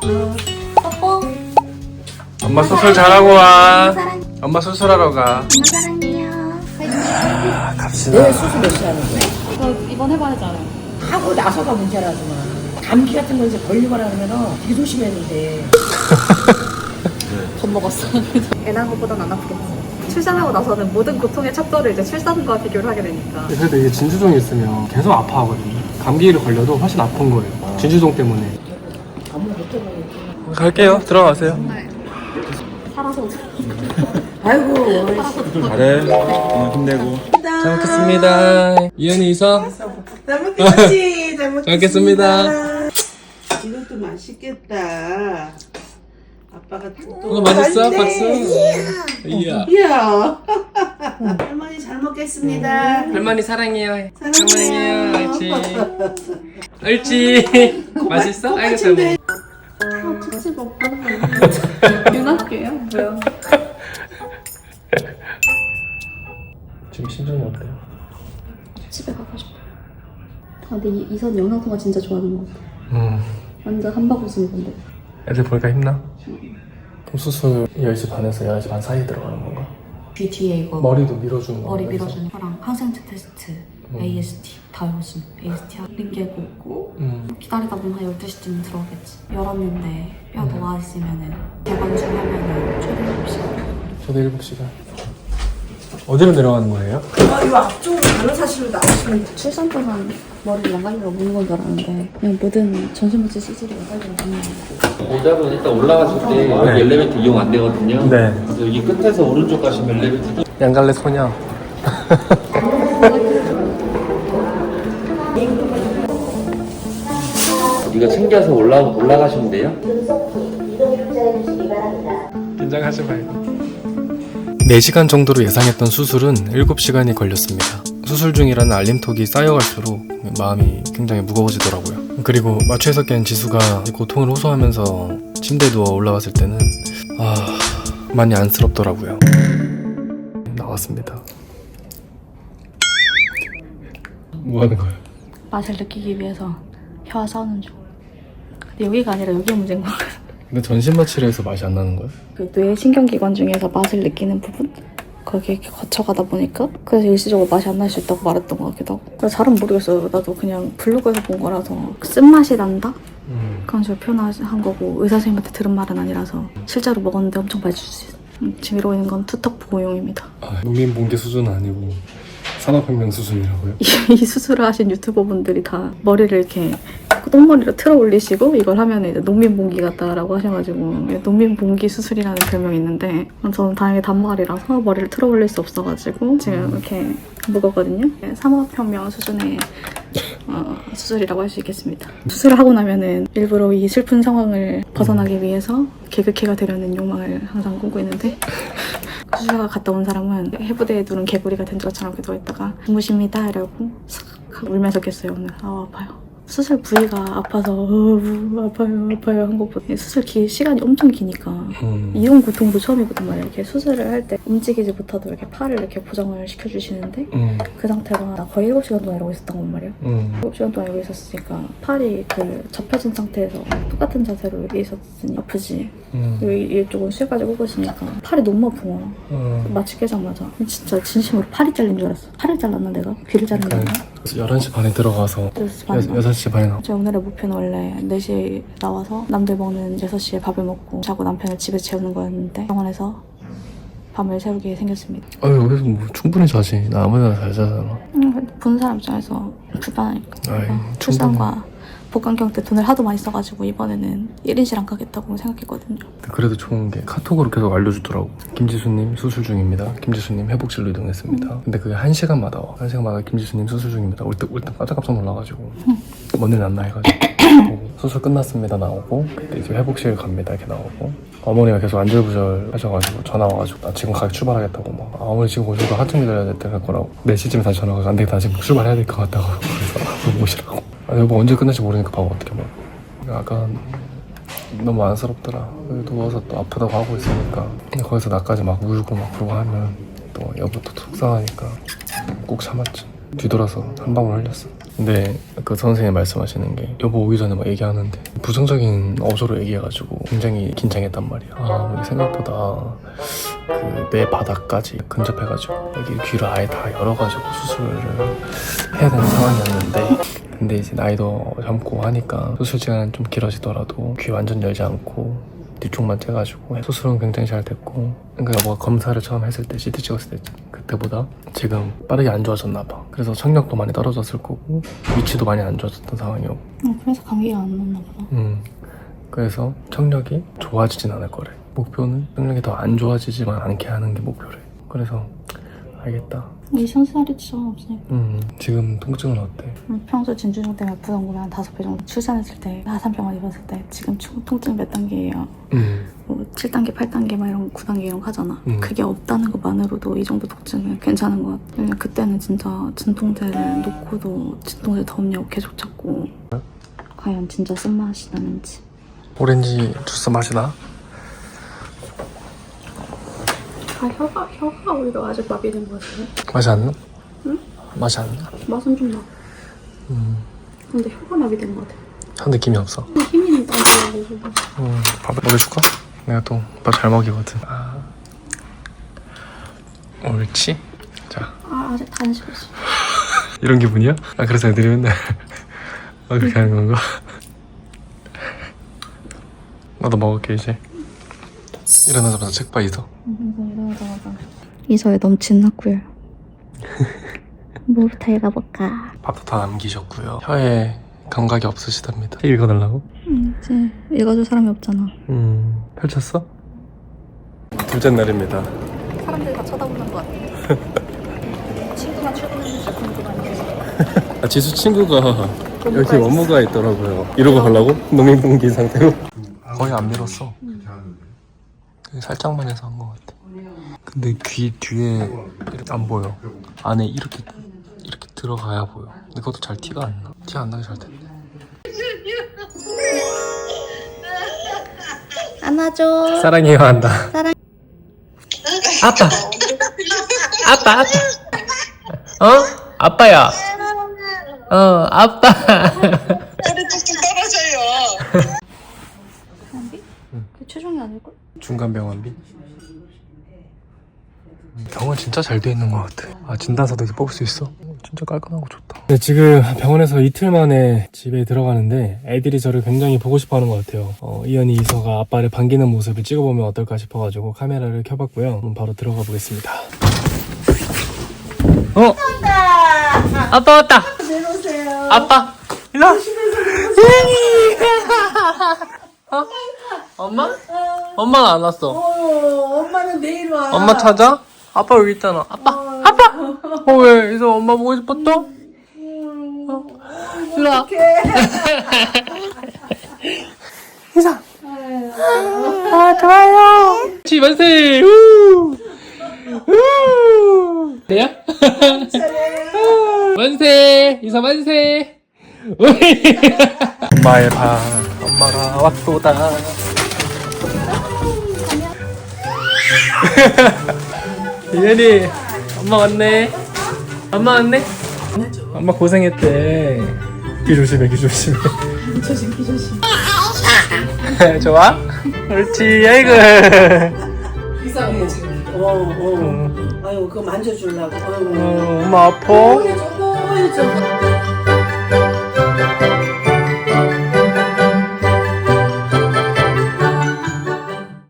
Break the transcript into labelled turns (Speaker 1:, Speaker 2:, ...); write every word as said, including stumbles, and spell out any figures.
Speaker 1: 뽀뽀.
Speaker 2: 엄마 수술 잘하고 와.
Speaker 1: 사랑.
Speaker 2: 엄마 수술하러 가.
Speaker 1: 엄마 사랑해요.
Speaker 2: 아, 갑시다.
Speaker 3: 내일 수술 몇 시에 하는 거야?
Speaker 1: 저 이번 해봐야 하잖아요.
Speaker 3: 하고 나서가 문제라지만 감기 같은 거 이제 걸리거나 그러면 되게 조심해야 돼.
Speaker 1: 겁먹었어. 애 낳은 것보단 안 아프겠어. 출산하고 나서는 모든 고통의 척도를 이제 출산과 비교를 하게 되니까.
Speaker 2: 그래도 이게 진주종이 있으면 계속 아파하거든요. 감기를 걸려도 훨씬 아픈 거예요. 진주종 때문에.
Speaker 3: 아무 못 해봐요.
Speaker 2: 갈게요. 들어가세요.
Speaker 1: 네. 살아서
Speaker 3: 아이고.
Speaker 2: 잘해. 어, 힘내고. 잘 먹겠습니다. 이현이 이서.
Speaker 4: 잘 먹겠지. 잘
Speaker 2: 잘 먹겠습니다.
Speaker 4: 이것도 맛있겠다. 아빠가
Speaker 2: 이거
Speaker 4: 또
Speaker 2: 맛있어? 박수. 이야.
Speaker 4: 이야. 할머니 잘 먹겠습니다.
Speaker 2: 할머니 사랑해요.
Speaker 4: 사랑해요.
Speaker 2: 옳지. 옳지. 맛있어? 아이고 잘 먹어.
Speaker 1: 아, 특집 오빠는 윤학교예요? 뭐야?
Speaker 2: 지금 심정이 어때요?
Speaker 1: 집에 가고 싶어. 아, 근데 이, 이선 영상통화 진짜 좋아하는 것 같아.
Speaker 2: 음.
Speaker 1: 완전 한바구 쓰는 건데.
Speaker 2: 애들 보니까 힘나? 그럼 수술 열 시 반에서 열한 시 반 사이에 들어가는 건가?
Speaker 1: 귀 뒤에 이거
Speaker 2: 머리도 밀어주는 거.
Speaker 1: 머리 밀어주는 거랑 항생제 테스트,
Speaker 2: 음.
Speaker 1: 에이에스티 다 요즘 에이에스티 하는 게 있고
Speaker 2: 음.
Speaker 1: 기다리다 보면 한 열두 시쯤 들어오겠지. 열었는데 뼈
Speaker 2: 음.
Speaker 1: 녹아있으면은 재관술하면은 최대 일곱 시간.
Speaker 2: 저도 일곱 시간. 어디로 내려가는 거예요?
Speaker 3: 아, 이 앞쪽으로 간호사실로 나오시면 돼.
Speaker 1: 출산 동안 머리를 양갈래로 무는 건 줄 알았는데 그냥 모든 전신무치 시술이 양갈래로 무는 거예요.
Speaker 5: 모자분 일단 올라가실 때 여기
Speaker 2: 네.
Speaker 5: 엘리베이터 이용 안 되거든요.
Speaker 2: 네.
Speaker 5: 그래서 여기 끝에서 오른쪽 가시면 엘리베이터
Speaker 2: 양갈래 소녀.
Speaker 5: 이거 챙겨서 올라 올라가시면 돼요.
Speaker 2: 긴장하지 말고. 네 시간 정도로 예상했던 수술은 일곱 시간이 걸렸습니다. 수술 중이라는 알림톡이 쌓여갈수록 마음이 굉장히 무거워지더라고요. 그리고 마취에서 깬 지수가 고통을 호소하면서 침대에 누워 올라왔을 때는 아 많이 안쓰럽더라고요. 나왔습니다. 뭐 하는 거예요?
Speaker 1: 맛을 느끼기 위해서 혀와 싸우는 중. 근데 여기가 아니라 여기가 문제인 것 같아요.
Speaker 2: 근데 전신 마취를 해서 맛이 안 나는 거예요?
Speaker 1: 그 뇌 신경기관 중에서 맛을 느끼는 부분? 거기에 이렇게 거쳐가다 보니까 그래서 일시적으로 맛이 안 날 수 있다고 말했던 것 같기도 하고. 잘은 모르겠어요. 나도 그냥 블로그에서 본 거라서 쓴맛이 난다?
Speaker 2: 음.
Speaker 1: 그런 식으로 표현한 거고 의사 선생님한테 들은 말은 아니라서 실제로 먹었는데 엄청 맛있을 수 있어요. 음, 지금 이러고 있는 건 투턱 보호용입니다.
Speaker 2: 아, 농민봉기 수준은 아니고 산업혁명 수준이라고요?
Speaker 1: 이, 이 수술을 하신 유튜버분들이 다 머리를 이렇게 똥머리로 틀어 올리시고 이걸 하면 이제 농민봉기 같다라고 하셔가지고 농민봉기 수술이라는 별명이 있는데 저는 다행히 단발이라서 머리를 틀어 올릴 수 없어가지고 지금 이렇게 묶었거든요. 산업혁명 수준의 어, 수술이라고 할 수 있겠습니다. 수술을 하고 나면은 일부러 이 슬픈 상황을 벗어나기 위해서 개그캐가 되려는 욕망을 항상 꾸고 있는데 수술가 갔다 온 사람은 해부대에 누른 개구리가 된 것처럼 이렇게 누워있다가 주무십니다 이러고 싹 하고 울면서 깼어요. 오늘 아 아파요. 수술 부위가 아파서 어, 아파요 아파요 한 것보다 수술 기, 시간이 엄청 기니까
Speaker 2: 음.
Speaker 1: 이런 고통도 처음이거든 말이야. 이렇게 수술을 할 때 움직이지 못하도록 이렇게 팔을 이렇게 고정을 시켜주시는데
Speaker 2: 음.
Speaker 1: 그 상태가 나 거의 일곱 시간 동안 이러고 있었던 건 말이야.
Speaker 2: 음.
Speaker 1: 일곱 시간 동안 이러고 있었으니까 팔이 그 접혀진 상태에서 똑같은 자세로 이렇게 있었으니 아프지.
Speaker 2: 음.
Speaker 1: 여기 이쪽은 쇠까지 꽂으시니까 팔이 너무 아픈 거야.
Speaker 2: 음.
Speaker 1: 마취 깨자마자 진짜 진심으로 팔이 잘린 줄 알았어. 팔을 잘랐나 내가? 귀를 자른 건가?
Speaker 2: 열한 시 반에 들어가서
Speaker 1: 여섯 시 반에 나와.
Speaker 2: 여섯 시 반에 나와.
Speaker 1: 제 오늘의 목표는 원래 네 시에 나와서 남들 먹는 여섯 시에 밥을 먹고 자고 남편을 집에 재우는 거였는데 병원에서 밤을 새우게 생겼습니다.
Speaker 2: 아유 여기서 뭐 충분히 자지. 나 아무데나 잘 자잖아.
Speaker 1: 음, 보는 사람 입장에서 불편하니까.
Speaker 2: 아이,
Speaker 1: 어, 출산과 복강경 때 돈을 하도 많이 써가지고 이번에는 일 인실 안 가겠다고 생각했거든요.
Speaker 2: 그래도 좋은 게 카톡으로 계속 알려주더라고. 김지수님 수술 중입니다. 김지수님 회복실로 이동했습니다.
Speaker 1: 음.
Speaker 2: 근데 그게 한 시간마다 와. 한 시간마다 김지수님 수술 중입니다. 올 때 올 때 깜짝깜짝 놀라가지고
Speaker 1: 음.
Speaker 2: 뭔 일 났나 해가지고 보고 수술 끝났습니다 나오고 그때 이제 회복실 갑니다 이렇게 나오고 어머니가 계속 안절부절 하셔가지고 전화 와가지고 나 지금 가게 출발하겠다고 막 아, 어머니 지금 오셔서 한참 기다려야 될 거라고 네 시쯤에 다시 전화 와서 안 되겠다 지금 출발해야 될 것 같다고 그래서 오시라고 아, 여보 언제 끝날지 모르니까 바보 어떻게 막 약간 너무 안쓰럽더라. 누워서 또 아프다고 하고 있으니까 근데 거기서 나까지 막 울고 막 그러고 하면 또 여보 또 속상하니까 꼭 참았지. 뒤돌아서 한 방울 흘렸어. 근데 그 선생님이 말씀하시는 게 여보 오기 전에 막 얘기하는데 부정적인 어조로 얘기해가지고 굉장히 긴장했단 말이야. 아 이게 생각보다 그 뇌 바닥까지 근접해가지고 여기 귀를 아예 다 열어가지고 수술을 해야 되는 상황이었는데, 근데 이제 나이도 젊고 하니까 수술 시간은 좀 길어지더라도 귀 완전 열지 않고 뒤쪽만 째가지고 수술은 굉장히 잘 됐고, 그러니까 여보가 검사를 처음 했을 때 씨티 찍었을 때 그때보다 지금 빠르게 안 좋아졌나 봐. 그래서 청력도 많이 떨어졌을 거고 위치도 많이 안 좋아졌던 상황이었고.
Speaker 1: 어, 그래서 감기가 안 났나 보다.
Speaker 2: 음 그래서 청력이 좋아지진 않을 거래. 목표는 청력이 더 안 좋아지지만 않게 하는 게 목표래. 그래서 알겠다.
Speaker 1: 이 상살이 진짜 없으니까.
Speaker 2: 음 지금 통증은 어때?
Speaker 1: 평소 진주종 때문에 아프던 거면 한 다섯 배 정도. 출산했을 때 하산병원 입었을 때 지금 총- 통증 몇 단계예요?
Speaker 2: 음
Speaker 1: 뭐 칠 단계, 팔 단계 막 이런 구 단계 이런 거 하잖아.
Speaker 2: 음.
Speaker 1: 그게 없다는 것만으로도 이 정도 통증은 괜찮은 것 같아. 왜냐면 그때는 진짜 진통제를 놓고도 진통제 더 없냐고 계속 찾고. 과연 진짜 쓴맛이 나는지.
Speaker 2: 오렌지 주스 맛이 나?
Speaker 1: 아, 혀가, 혀가 오히려 아직 마비된 것 같아.
Speaker 2: 맛이 안 나?
Speaker 1: 응?
Speaker 2: 맛이 안 나?
Speaker 1: 맛은 좀 나.
Speaker 2: 음
Speaker 1: 근데 혀가 마비된 것 같아.
Speaker 2: 한 느낌이 없어.
Speaker 1: 힘이 나가지고.
Speaker 2: 음 밥을 먹여줄까? 내가 또 밥 잘 먹이거든. 아 옳지? 자
Speaker 1: 아, 아직 다 안 식었어.
Speaker 2: 이런 기분이야? 아 그래서 애들이 맨날 아 그렇게 하는 건가? 나도 먹을게 이제. 일어나자마자 책 봐 있어.
Speaker 1: 이서에 넘친 학구열. 뭐부터 읽어볼까?
Speaker 2: 밥도 다 남기셨고요. 혀에 감각이 없으시답니다. 책 읽어달라고?
Speaker 1: 응, 이제 읽어줄 사람이 없잖아.
Speaker 2: 음 펼쳤어? 둘째 날입니다.
Speaker 1: 사람들이 다 쳐다보는 것 같아. 친구가 출근했는지 궁금한데.
Speaker 2: 아, 지수 친구가 여기 원무가 있더라고요. 이러고 가려고? 농민분기 상태로? 거의 안 밀었어. 살짝만 해서 한 것 같아. 근데 귀 뒤에 안 보여. 안에 이렇게 이렇게 들어가야 보여. 근데 그것도 잘 티가 안 나. 티 안 나게 잘 됐네.
Speaker 1: 안아줘.
Speaker 2: 사랑해요 한다.
Speaker 1: 사랑.
Speaker 2: 아빠. 아빠 아빠. 어? 아빠야. 어 아빠.
Speaker 1: 병원비? 그 최종이 아닐걸?
Speaker 2: 중간 병원비? 병원 진짜 잘 돼 있는 것 같아. 아 진단서도 이렇게 뽑을 수 있어? 진짜 깔끔하고 좋다. 네, 지금 병원에서 이틀 만에 집에 들어가는데 애들이 저를 굉장히 보고 싶어하는 것 같아요. 어, 이현이 이서가 아빠를 반기는 모습을 찍어보면 어떨까 싶어가지고 카메라를 켜봤고요. 그럼 바로 들어가 보겠습니다. 어? 아빠 왔다. 내려오세요. 아빠 일로 와. 어? 엄마? 엄마는 안 왔어.
Speaker 4: 어, 엄마는 내일 와.
Speaker 2: 엄마 찾아? 아빠 여기 있잖아. 아빠, 아빠. 어 왜? 이서 엄마 보고 싶었어? 어? 일로 와. 이사. 아 좋아요. 지 만세. 우. 우. 돼요? 만세. 이사 만세. 엄마의 방. 엄마가 왔도다. 이현이 엄마 왔네. 엄마 왔네. 엄마 고생했대. 귀 조심해, 귀 조심해.
Speaker 4: 조심, 조심.
Speaker 2: 좋아? 옳지. 아이고.
Speaker 4: 이상해 지금. 어, 어. 아유, 그거 만져주려고. 아유.
Speaker 2: 어, 엄마 아파?
Speaker 4: 어, 해줘, 어, 해줘.